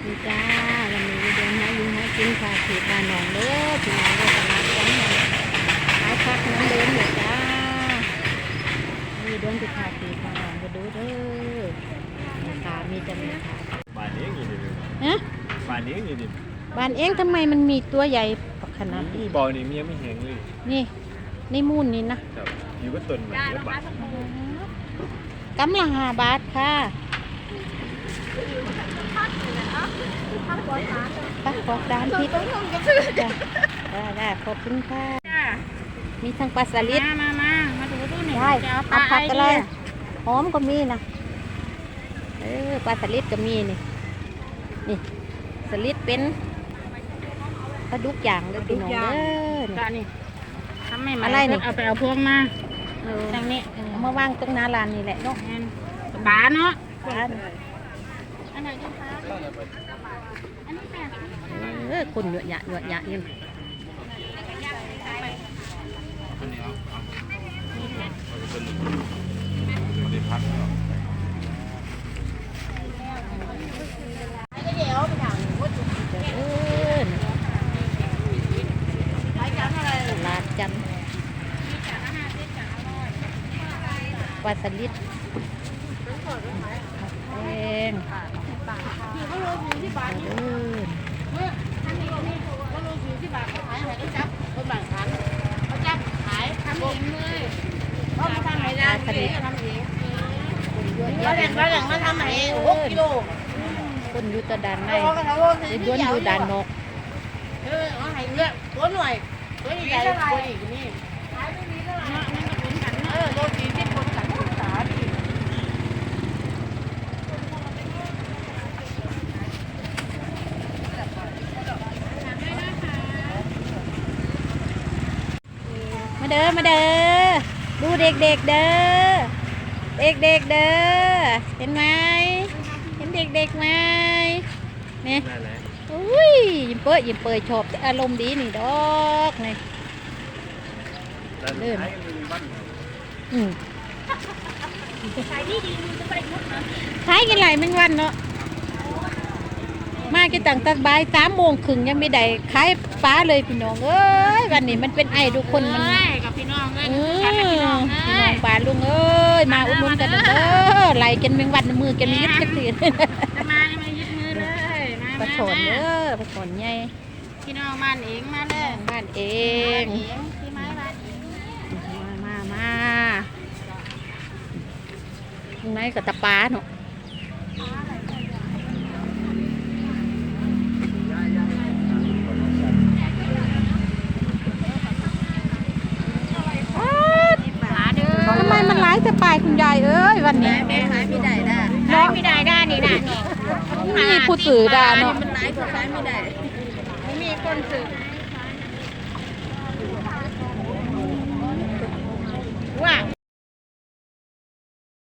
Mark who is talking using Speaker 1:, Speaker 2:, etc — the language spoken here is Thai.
Speaker 1: ดีจ้าวันนี้เดินหาอยู่หากินค่ะที่บ้านหนองเด้อที่หนองเด้อตลาดของหนองขายผักน้ำเดินอยู่จ้ามีเดินไปขายที่บ้านหนองไปดูเด้อค่ะมีจะมีค่ะ
Speaker 2: บ้านเองอยู่ดิ
Speaker 1: ฮะ
Speaker 2: บ้านเองอยู่ดิ
Speaker 1: บ้านเองทำไมมันมีตัวใหญ่ขนาดนี้
Speaker 2: บ่อนี่เมียไม่แห้งเลย
Speaker 1: นี่ในมูลนี่นะ
Speaker 2: อยู่ก็ต้นมันเยอะบาท
Speaker 1: กำลัง5 บาทค่ะปักปอกร้านทิพย์ได้ขอบคุณค่ะมีทั้งปลาสลิด
Speaker 3: มาดูนี่
Speaker 1: ได้เอาผักอะไรหอมก็มีนะปลาสลิดก็มีนี่สลิดเป็นปลาดุกอย่างเลยพี่น้องเด้อ
Speaker 3: นี่ทำไม่มาอะไรนี่เอาไปเอาพวงมาทางนี้
Speaker 1: เอามาวางตรงหน้าร้านนี่แหละเนาะ
Speaker 3: ปลาเนาะ
Speaker 1: อันไหนกันคะอันนี้คนเยอะแยะนี่
Speaker 2: อันนี้เอาพัก
Speaker 1: ลาดจันปลาสลิดแดง
Speaker 3: เราแหล่งมาทำเอง6 กิโล
Speaker 1: คนอยู่ตะดานในย้วนอยู่ด่านนก
Speaker 3: เอาให้เลือกตัวหน่วยตัวใหญ่ๆตัวอีกนี่โล40คนกันศึกษาดิ
Speaker 1: มาเด้อดูเด็กๆเด้อเด็กๆเด้อเห็นไหมเห็นเด็กๆไหมเนี่ยอุ้ยยิ้มเปื่อยชอบอารมณ์ดีนี่ดอกนี่เริ่มขายดีจะไปมุดนะขายกันหลายแมงวันเนาะมากี่ต่างตะบาย3:30ยังไม่ได้ขายปลาเลยพี่น้องเอ้ยวันนี้มันเป็นไอ้ทุกคนมัน
Speaker 3: กับพี่น้องเลย
Speaker 1: พี่น้องปลาลุงเอ้ยมาอุดหนุนกันเด้อไหลกันแมงวันมือกันมียึดกันตี
Speaker 3: มายึดมือเลย
Speaker 1: ปลาฉอนเด้อปลาฉอนใหญ่
Speaker 3: พี่น้องบ้านเองมาเลย
Speaker 1: บ้านเอง
Speaker 3: พี่ไม้บ้านเอง
Speaker 1: มาตรงไหนก็ตะปาเนาะทำไมมันร้ายแต่ปลายคุณยายเอ้ยวันนี้
Speaker 3: ขายไม่ได้นี่นะ
Speaker 1: มีผู้สื่อด่าเนาะ
Speaker 3: มันร้ายก็ขายไม่ได้ไม่มีคนสื่อ